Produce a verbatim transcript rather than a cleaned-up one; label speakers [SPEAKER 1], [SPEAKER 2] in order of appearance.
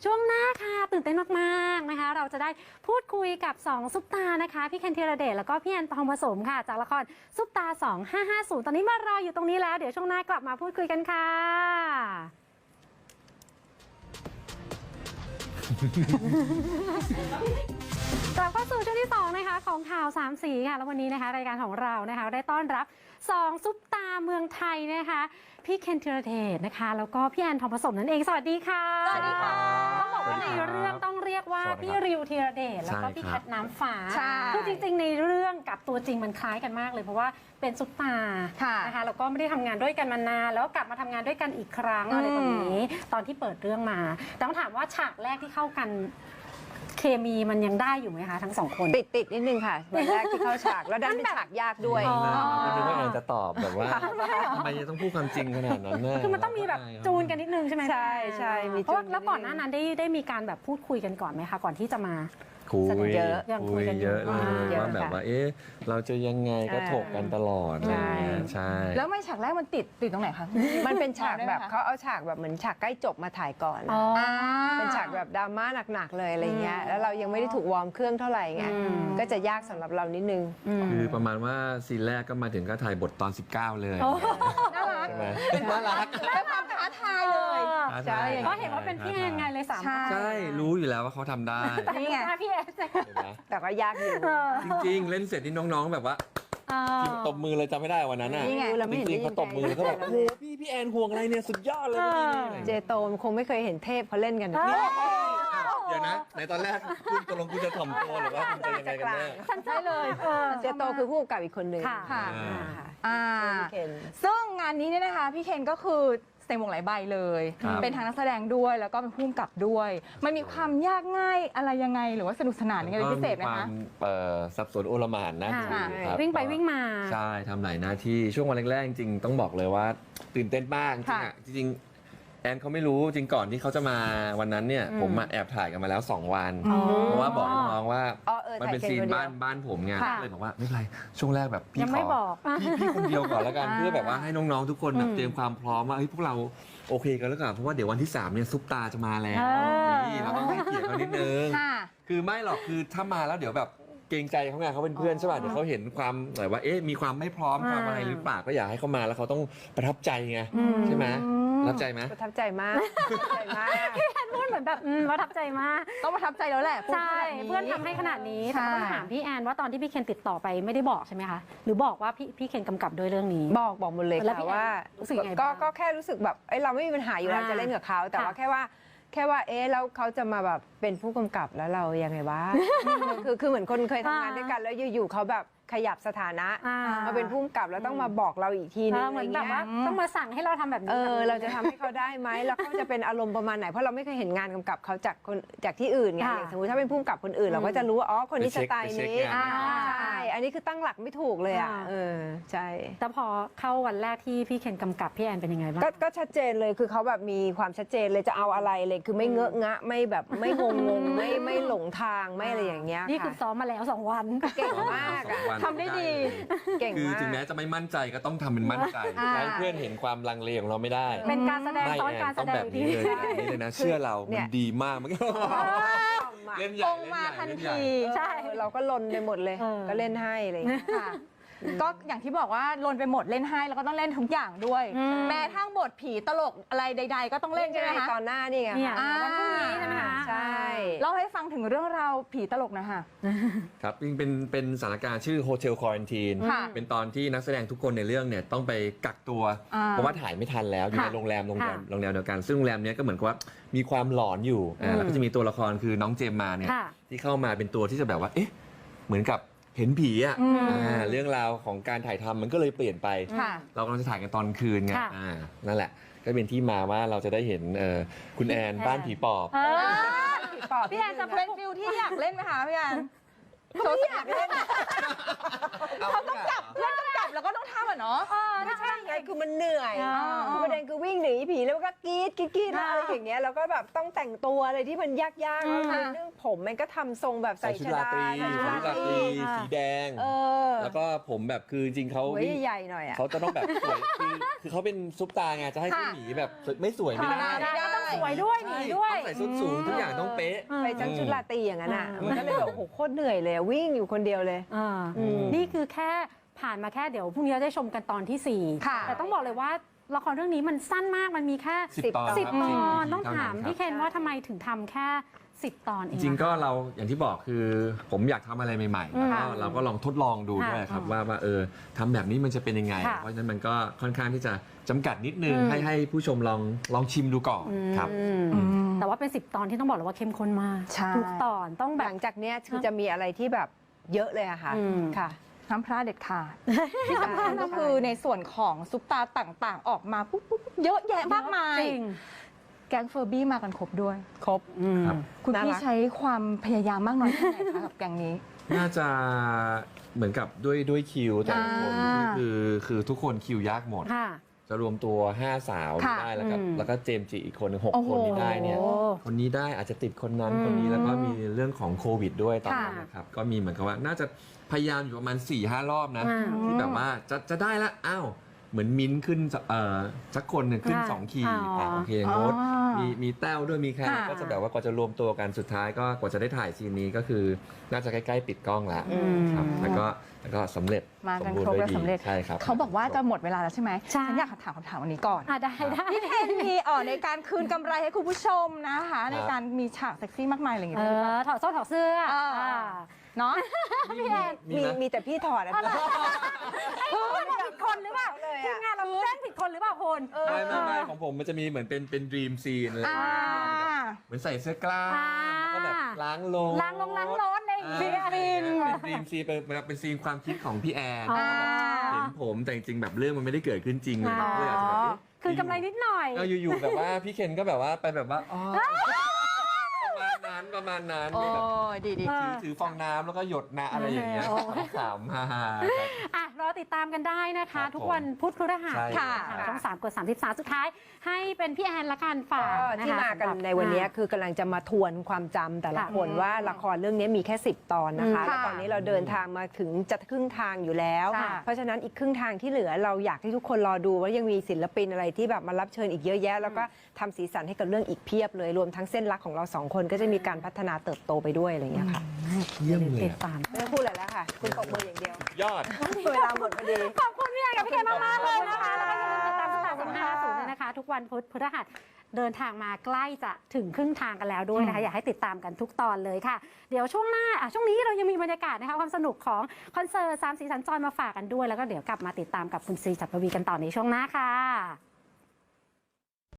[SPEAKER 1] ช่วงหน้าค่ะตื่นเต้นมากๆนะคะเราจะได้พูดคุยกับสองซุปตานะคะพี่เคนธีรเดชแล้วก็พี่แอนทองผสมค่ะจากละครซุปตาสองห้าห้าศูนย์ตอนนี้มารออยู่ตรงนี้แล้วเดี๋ยวช่วงหน้ากลับมาพูดคุยกันค่ะกลับเข้าสู่ช่วงที่สองนะคะของข่าวสามสีค่ะแล้ววันนี้นะคะรายการของเรานะคะได้ต้อนรับสองซุปตาเมืองไทยนะคะพี่เคนธีรเดชนะคะแล้วก็พี่แอนทองผสมนั่นเองสวัสดีค่ะ
[SPEAKER 2] สวัสดีค่ะ
[SPEAKER 1] ต้องบอกว่าในเรื่องต้องเรียกว่าพี่ริวธีรเดชแล้วก็พี่แคทน้ำฟ้าคือจริงๆในเรื่องกับตัวจริงมันคล้ายกันมากเลยเพราะว่าเป็นซุปตานะคะแล้วก็ไม่ได้ทำงานด้วยกันมานานแล้วกลับมาทำงานด้วยกันอีกครั้งอะไรตรงนี้ตอนที่เปิดเรื่องมาแต่ต้องถามว่าฉากแรกที่เข้ากันเคมีมันยังได้อยู่ไหมคะทั้งสองคน
[SPEAKER 2] ติดติดนิดนึงค่ะวันแรกที่เข้าฉากแล้วดันเป็นฉากยากด้วย
[SPEAKER 3] ไม่รู้ว่าแอนจะตอบแบบว่าทำไมจะต้องพูดความจริงขนาดนั้นน่ะ
[SPEAKER 1] คือมันต้องมีแบบจูนกันนิดนึงใช่ไหม
[SPEAKER 2] ใช่ใช่มี
[SPEAKER 1] เพราะแล้วก่อนหน้านั้นได้ได้มีการแบบพูดคุยกันก่อนไหมคะก่อนที่จะมา
[SPEAKER 3] คุย
[SPEAKER 2] เยอะ
[SPEAKER 3] คุยเยอะเลยว่าแบบว่าเอ๊ะเราจะยังไงก็ถกกันตลอดอะไรเงี้ยใช่
[SPEAKER 4] แล้วไม่ฉากแรกมันติดติดตรงไหนคะ
[SPEAKER 2] มันเป็นฉากแบบเขาเอาฉากแบบเหมือนฉากใกล้จบมาถ่ายก่อนเป็นฉากแบบดราม่าหนักๆเลยอะไรเงี้ยแล้วเรายังไม่ได้ถูกวอร์มเครื่องเท่าไหร่ไงก็จะยากสำหรับเรานิดนึง
[SPEAKER 3] คือประมาณว่าซีนแรกก็มาถึงก็ถ่ายบทตอนสิบเก้าเลย
[SPEAKER 4] น่ารัก
[SPEAKER 3] ใช่ไหมน่ารัก
[SPEAKER 4] เป็นความท้าทายเลย
[SPEAKER 1] ใช่เพราะเห็นว่าเป็นพี่แอนไงเลยสาม
[SPEAKER 3] ใช่รู้อยู่แล้วว่าเขาทำได้
[SPEAKER 1] นี่ไงพี่แอน
[SPEAKER 2] แต่ก็ยากอยู่
[SPEAKER 3] จริงๆเล่นเสร็จนี่น้องๆแบบว่าที่ตบมือเลยจำไม่ได้วันนั้นน่ะจริงๆเขาตบมือแล้วก็แบบโอ้โหพี่พี่แอนห่วงอะไรเนี่ยสุดยอดเลย
[SPEAKER 2] เจโตมคงไม่เคยเห็นเทพเขาเล่นกันเ
[SPEAKER 3] ดี๋ยวนะในตอนแรกคุณตกลงคุณจะถ่อมตัวหรือว่าคุณจะยังไงกันแน่
[SPEAKER 1] ฉันใช่เลย
[SPEAKER 2] เจโตคือผู้กำกับอีกคนนึง
[SPEAKER 4] ค่ะอ่าซึ่งงานนี้เนี่ยนะคะพี่เคนก็คือแสดงวงหลายใบเลยเป็นทางนักแสดงด้วยแล้วก็เป็นผู้กำกับด้วยมันมีความยากง่ายอะไรยังไงหรือว่าสนุกสนานยังไงเป็นพิเศษไหมคะ
[SPEAKER 3] สับสนโอลหม่านนะ
[SPEAKER 1] วิ่งไปวิ่งมา
[SPEAKER 3] ใช่ทำหลายหน้าที่ช่วงวันแรกๆจริงต้องบอกเลยว่าตื่นเต้นมากจริงจริงแอนเขาไม่รู้จริงก่อนที่เขาจะมาวันนั้นเนี่ยผมมาแอบถ่ายกันมาแล้วสองวันเพราะว่าบอกน้องว่ามันเป็นซีนบ้านบ้านผมไงเลยบอกว่าไม่เป็นไรช่วงแรกแบบพี่ขอพี่พี่คนเดียวก่อนแล้วกันเพื่อแบบว่าให้น้องๆทุกคนแบบเตรียมความพร้อมว่าเฮ้ยพวกเราโอเคกันแล้วกันเพราะว่าเดี๋ยววันที่สามเนี่ยซุปตาจะมาแล้วนี่เราต้องให้เกียรติเขานิดนึงคือไม่หรอกคือถ้ามาแล้วเดี๋ยวแบบเกรงใจเขาไงเขาเป็นเพื่อนใช่ป่ะเดี๋ยวเขาเห็นความแบบว่าเอ๊ะมีความไม่พร้อมความอะไรหรือเปล่าก็อยากให้เขามาแล้วเขาต้องประทับใจไงใช่ไหมประทับใจไหม
[SPEAKER 2] ประทับใจมากประทับใจมาก
[SPEAKER 1] พี่แอนพูดเหมือนแบบประทับใจมาก
[SPEAKER 4] ต้องประทับใจแล้วแหละ
[SPEAKER 1] ใช่เพื่อนทำให้ขนาดนี้แต่ต้องถามพี่แอนว่าตอนที่พี่เคนติดต่อไปไม่ได้บอกใช่ไหมคะหรือบอกว่าพี่พี่เคนกำกับด้วยเรื่องนี้
[SPEAKER 2] บอกบอกหมดเลยค่ะว่าก็ก็แค่รู้สึกแบบเอ้ยเราไม่มีปัญหาอยู่แล้วจะเล่นกับเขาแต่ว่าแค่ว่าแค่ว่าเอ๊ะแล้วเขาจะมาแบบเป็นผู้กำกับแล้วเรายังไงวะคือคือเหมือนคนเคยทำงานด้วยกันแล้วอยู่ๆเขาแบบขยับสถานะมาเป็นผู้กำกับแล้วต้องมาบอกเราอีกทีนึง
[SPEAKER 1] เหมือนแบบว่าต้องมาสั่งให้เราทำแบบนี้
[SPEAKER 2] เออเราจะทำให้เขาได้ไหมแล้วเขาจะเป็นอารมณ์ประมาณไหนเพราะเราไม่เคยเห็นงานกำกับเขาจากคนจากที่อื่นไงอย่างสมมติถ้าเป็นผู้กำกับคนอื่นเราก็จะรู้ว่าอ๋อคนนี้สไตล์นี้ใช่อันนี้คือตั้งหลักไม่ถูกเลยอ่ะเออใช่
[SPEAKER 1] แต่พอเข้าวันแรกที่พี่เคนกำกับพี่แอนเป็นยังไงบ้าง
[SPEAKER 2] ก็ชัดเจนเลยคือเขาแบบมีความชัดเจนเลยจะเอาอะไรเลยคือไม่เงอะงะไม่แบบไม่งงงไม่ไม่หลงทางไม่อะไรอย่างเงี้ย
[SPEAKER 1] นี่คือซ้อมมาแล้วสองวัน
[SPEAKER 2] เก่งมากอ่ะ
[SPEAKER 1] ทำได้ดี
[SPEAKER 2] เก่ง
[SPEAKER 3] คือถึงแม้จะไม่มั่นใจก็ต้องทำเป็นมั่นใจให้เพื่อนเห็นความลังเลของเราไม่ได้
[SPEAKER 1] เป็นการแสดงซ้อนการแสดง
[SPEAKER 3] แบบนี้เลยแบบนี้เลยนะเชื่อเรามันดีมากมันก็เล่นใหญ่
[SPEAKER 4] มาทันที
[SPEAKER 2] ใช่เราก็ลนไปหมดเลยก็เล่นให้อะไรอย่างเงี้ย
[SPEAKER 4] ก็อย่างที่บอกว่าลนไปหมดเล่นให้แล้วก็ต้องเล่นทุกอย่างด้วยแม้ทั้งบทผีตลกอะไรใดๆก็ต้องเล่นใช่ไหมคะ
[SPEAKER 2] ตอนหน้านี่ไง
[SPEAKER 4] วันพรุ่งนี้ใช่ไหมคะ
[SPEAKER 2] ใช่
[SPEAKER 4] เล่าให้ฟังถึงเรื่องราวผีตลกนะคะ
[SPEAKER 3] ครับจริงเป็นเป็นสถานการณ์ชื่อโฮเทลควอรันทีนเป็นตอนที่นักแสดงทุกคนในเรื่องเนี่ยต้องไปกักตัวเพราะว่าถ่ายไม่ทันแล้วอยู่ในโรงแรมโรงแรมโรงแรมเดียวกันซึ่งโรงแรมนี้ก็เหมือนกับว่ามีความหลอนอยู่แล้วก็จะมีตัวละครคือน้องเจมมาเนี่ยที่เข้ามาเป็นตัวที่จะแบบว่าเอ๊ะเหมือนกับเห็นผีอ่ะเรื่องราวของการถ่ายทำมันก็เลยเปลี่ยนไปเรากำลังจะถ่ายกันตอนคืนไงนั่นแหละก็เป็นที่มาว่าเราจะได้เห็นคุณแอนบ้านผีปอบ
[SPEAKER 4] พี่แอนจะเป็นฟิลที่อยากเล่นไหมคะพี่แอนเขาอยากเล่นเขาต้องจับเพื่อนต้องจับเราก็ต้องทำอ่ะเนาะ
[SPEAKER 2] ไม่ใช่ไงคือมันเหนื่อย
[SPEAKER 1] อ่า
[SPEAKER 2] คือประเด็นคือวิ่งหนีผีแล้วก็กรีดกรีดกรีดแล้วอะไรอย่างเงี้ยแล้วก็แบบต้องแต่งตัวอะไรที่มันยากๆแล้วคือเรื่องผมมันก็ทำทรงแบบ
[SPEAKER 3] ใส่
[SPEAKER 2] ใส่
[SPEAKER 3] ชุด
[SPEAKER 2] ช
[SPEAKER 3] รา
[SPEAKER 2] ดา
[SPEAKER 3] ตรี
[SPEAKER 2] ใส่
[SPEAKER 3] ชุ
[SPEAKER 2] ชุ
[SPEAKER 3] ด
[SPEAKER 2] ด
[SPEAKER 3] รา
[SPEAKER 2] รา
[SPEAKER 3] ต
[SPEAKER 2] ต
[SPEAKER 3] รี
[SPEAKER 2] รี
[SPEAKER 3] สีแดง
[SPEAKER 2] เออ
[SPEAKER 3] แล้วก็ผมแบบคือจริงๆเขา
[SPEAKER 2] หัว
[SPEAKER 3] วิ่ง
[SPEAKER 2] ใหญ่ๆหน่อยอ่ะ
[SPEAKER 3] เขาจะต้องแบบสวยคือคือเขาเป็นซุปตาไงจะให้ผู้หนีแบบไม่สวยไม่ได้
[SPEAKER 4] ไม่ได้
[SPEAKER 1] ต้องสวยด้วยหนีด้วย
[SPEAKER 3] ต้องใส่ส้นสูงทุกอย่างต้องเป๊ะ
[SPEAKER 2] ไปจังชุดราตรีอย่างนั้นอ่ะ
[SPEAKER 1] อืม
[SPEAKER 2] มันก็เลยแบบโอ้โหโคตรเหนื่อยเลยอะวิ่งอยู่คนเดียวเลย
[SPEAKER 1] อ่า
[SPEAKER 2] อืม
[SPEAKER 1] นี่คือแค่ผ่านมาแค่เดี๋ยวพรุ่งนี้เราได้ชมกันตอนที่สี่
[SPEAKER 4] ค่ะ
[SPEAKER 1] แต่ต้องบอกเลยว่าละครเรื่องนี้มันสั้นมากมันมีแค่
[SPEAKER 3] สิบตอน
[SPEAKER 1] สิบ
[SPEAKER 3] ครับ
[SPEAKER 1] ตอน
[SPEAKER 3] สิบ
[SPEAKER 1] ต้อง
[SPEAKER 3] เท่า
[SPEAKER 1] ถาม
[SPEAKER 3] นั้น
[SPEAKER 1] พี่
[SPEAKER 3] ค
[SPEAKER 1] เครับ นว่าทำไมถึงทำแค่สิบตอนเอ
[SPEAKER 3] จ
[SPEAKER 1] ง
[SPEAKER 3] ริงๆก็
[SPEAKER 1] อะคะ
[SPEAKER 3] เราอย่างที่บอกคือผมอยากทำอะไรใหม่ๆ
[SPEAKER 1] อืม
[SPEAKER 3] แล้วก็เราก็ลองทดลองดู
[SPEAKER 1] ค่ะ
[SPEAKER 3] ด้วยครับ
[SPEAKER 1] อืม
[SPEAKER 3] ว่าว่าเออทำแบบนี้มันจะเป็นยังไง
[SPEAKER 1] ค่ะ
[SPEAKER 3] เพราะฉะนั้นมันก็ค่อนข้างที่จะจำกัดนิดนึง
[SPEAKER 1] อืม
[SPEAKER 3] ให้ให้ผู้ชมลองลองชิมดูก่อนครับ
[SPEAKER 1] อืม
[SPEAKER 4] อืม
[SPEAKER 1] แต่ว่าเป็นสิบตอนที่ต้องบอกเลยว่าเข้มข้นมาก
[SPEAKER 4] ใช่
[SPEAKER 1] ทุกตอนต้องแบ
[SPEAKER 2] ห
[SPEAKER 1] บ
[SPEAKER 2] ลังจากเนี้ยคือจะมีอะไรที่แบบเยอะเลยอะค่ะ
[SPEAKER 1] อืม
[SPEAKER 2] ค่ะ
[SPEAKER 4] ห้ามพลาดเด็ดขาดที่สำคัญก็คือในส่วนของซุปตาต่างๆ ออกมาปุ๊บปุ๊บปุ๊บเยอะแยะมากมาย
[SPEAKER 1] จริง
[SPEAKER 4] แก๊งเฟอร์บี้มากันครบด้วย
[SPEAKER 2] ครบ
[SPEAKER 1] อืม
[SPEAKER 3] ครับ
[SPEAKER 4] คุณ
[SPEAKER 2] น่า
[SPEAKER 4] พี่
[SPEAKER 2] รัก
[SPEAKER 4] ใช้ความพยายามมากน้อยแค่ไหนคะกับแก๊งนี้
[SPEAKER 3] น่าจะเหมือนกับด้วยด้วยคิวแต่ละคน
[SPEAKER 4] อ่า
[SPEAKER 3] คือคือทุกคนคิวยากหมด
[SPEAKER 1] ค่ะ
[SPEAKER 3] จะรวมตัวห้าสาว
[SPEAKER 4] ค่ะ
[SPEAKER 3] ได้แล้วก็
[SPEAKER 1] อืม
[SPEAKER 3] แล้วก็เจมส์จีอีกคนหนึ่งหก
[SPEAKER 4] โอ้โห
[SPEAKER 3] คนที่ได้เนี่ย
[SPEAKER 1] โอ้
[SPEAKER 3] คนนี้ได้อาจจะติดคนนั้น
[SPEAKER 1] อืม
[SPEAKER 3] คนนี้แล้วก็มีเรื่องของโควิดด้วยตอนนั้น
[SPEAKER 1] ค่ะ
[SPEAKER 3] นะครับก็มีเหมือนกับว่าน่าจะพยายามอยู่ประมาณ4ี่ห้ารอบนะ
[SPEAKER 1] อ่า
[SPEAKER 3] ที่แบบว่าจะจะได้ละอ้าวเหมือนมิ้นท์ขึ้นเอ่อสักคนหนึ่งขึ้น
[SPEAKER 1] ค่ะ
[SPEAKER 3] สองขีด
[SPEAKER 1] อ๋ออ่
[SPEAKER 3] ะโอเคโน้ต
[SPEAKER 4] อ๋อ
[SPEAKER 3] มีมีแต้วด้วยมีใคร
[SPEAKER 4] ค่ะ
[SPEAKER 3] ก็จะแบบว่ากว่าจะรวมตัวกันสุดท้ายก็กว่าจะได้ถ่ายซีนนี้ก็คือน่าจะใกล้ๆปิดกล้องแล้ว
[SPEAKER 1] อืม
[SPEAKER 3] ครับแล้วก็แล้วก็สำเร็จ
[SPEAKER 4] มากัน
[SPEAKER 3] สบู
[SPEAKER 4] ครบ
[SPEAKER 3] ณ์
[SPEAKER 4] และ
[SPEAKER 3] ด้วยดี
[SPEAKER 4] สำเร็จ
[SPEAKER 3] ใช่ครับ
[SPEAKER 4] เขาบอกว่าจะหมดเวลาแล้วใช่ไหม
[SPEAKER 1] ใช่
[SPEAKER 4] ฉันอยากถามคำถามวันนี้ก่อน
[SPEAKER 1] อ่ะได้ได้
[SPEAKER 4] พี่เคนมีอ่อในการคืนกำไรให้คุณผู้ชมนะคะ ในการมีฉากเซ็กซี่มากมายอะไรอย่าง
[SPEAKER 1] เอ
[SPEAKER 4] เงี้ยด้วยหรือเปล่า
[SPEAKER 1] อถอดโซ่ถอดเสื้อ
[SPEAKER 4] อ่า
[SPEAKER 1] อ่า
[SPEAKER 4] เนาะ
[SPEAKER 1] พี่แอน
[SPEAKER 3] มี
[SPEAKER 2] มี
[SPEAKER 3] ไหม
[SPEAKER 2] มีแต่พี่ถอดอะ
[SPEAKER 1] อะไรเอ้ยเราผิดคนหรือเปล่า
[SPEAKER 2] เลย
[SPEAKER 1] ที
[SPEAKER 2] อะ
[SPEAKER 1] มงานเราแจ้งผิดคนหรือเปล่าคุณ
[SPEAKER 3] ไม่ไม่ไม่ของผมมันจะมีเหมือนเป็นเป็นดรีมซีนเลย
[SPEAKER 4] อ่า
[SPEAKER 3] เหมือนใส่เสื้อกล้าม
[SPEAKER 1] อ่า
[SPEAKER 3] แล้วก็แบบล้างลง
[SPEAKER 1] ล้างลงล้างรถอะไรอย่าง
[SPEAKER 3] อ่า
[SPEAKER 1] เงี้ย
[SPEAKER 3] เป็นดรีมซีนเป็นเป็นซีนความคิดของพี่แอน
[SPEAKER 1] อ่า
[SPEAKER 3] เห็นผมแต่จริงๆแบบเรื่องมันไม่ได้เกิดขึ้นจริงเลย
[SPEAKER 1] อ๋อ
[SPEAKER 3] เลยอาจจะแบบเอ๊ะ
[SPEAKER 1] คืนกำไรนิดหน่อย
[SPEAKER 3] เอออยู่ๆแบบว่าพี่เคนก็แบบว่าไปแบบว่าอ๋อประมาณนั้นประมาณนั้น
[SPEAKER 4] โอ้
[SPEAKER 3] แบบ
[SPEAKER 4] ดีดี
[SPEAKER 1] อ่า
[SPEAKER 3] ถือถือฟองน้ำแล้วก็หยดน้ำอะไรอย่างเงี้ย
[SPEAKER 1] โอ้
[SPEAKER 3] ขำฮ่าๆครับ
[SPEAKER 1] อ่ะรอติดตามกันได้นะคะ
[SPEAKER 3] ครับ
[SPEAKER 1] ทุกวันพุธพฤหัส
[SPEAKER 3] ใช่
[SPEAKER 1] ค่ะ
[SPEAKER 2] ค่ะ
[SPEAKER 1] ช่องสามกดสามสิบสามสุดท้าย ให้เป็นพี่แอนละกันฝาก
[SPEAKER 2] ก็
[SPEAKER 1] นะคะ
[SPEAKER 2] ที่มากัน
[SPEAKER 1] สำหรับ
[SPEAKER 2] ในวันนี้
[SPEAKER 1] อ่า
[SPEAKER 2] คือกำลังจะมาทวนความจำแต่ละ
[SPEAKER 1] ค่ะ
[SPEAKER 2] คนว่าละครเรื่องนี้มีแค่สิบตอนนะคะ
[SPEAKER 1] อืม
[SPEAKER 2] แล้วตอนนี้เราเดินทางมาถึงจะครึ่งทางอยู่แล้ว
[SPEAKER 1] ค่ะ
[SPEAKER 2] เพราะฉะนั้นอีกครึ่งทางที่เหลือเราอยากให้ทุกคนรอดูว่ายังมีศิลปินอะไรที่แบบมารับเชิญอีกเยอะแยะ แล้วก็ทำสีสันให้กับเรื่องอีกเพียบเลยรวมทั้งเส้นรักของเราสองคนก็จะมีการพัฒนาเติบโตไปด้วยอะไรอย่างเงี้ยค่ะ
[SPEAKER 3] เยี่ยมเลย
[SPEAKER 1] ติด
[SPEAKER 3] อะ
[SPEAKER 1] ตาม
[SPEAKER 2] ไม่ต้องพูดอะไรแล้วค่ะ คุณตบมืออย่างเดียว
[SPEAKER 3] ยอด
[SPEAKER 2] เวลาหมดพอดี
[SPEAKER 1] ขอบคุณพี่แอนกับพี่เคนมากๆเลยนะคะ แล้วก็อย่าลืมติดตามสตาร์สองห้าศูนย์นะคะ ทุกวันพุธพฤหัสเดินทางมาใกล้จะถึงครึ่งทางกันแล้วด้วยนะคะ อยากให้ติดตามกันทุกตอนเลยค่ะ เดี๋ยวช่วงหน้าอ่ะช่วงนี้เรายังมีบรรยากาศนะคะความสนุกของคอนเสิร์ตสามสีสันจรมาฝากกันด้วย แล้วก็เดี๋ยวกลับมาติดตามกับคุณซีจักรวีกันต่อในช่วงหน้าค่ะ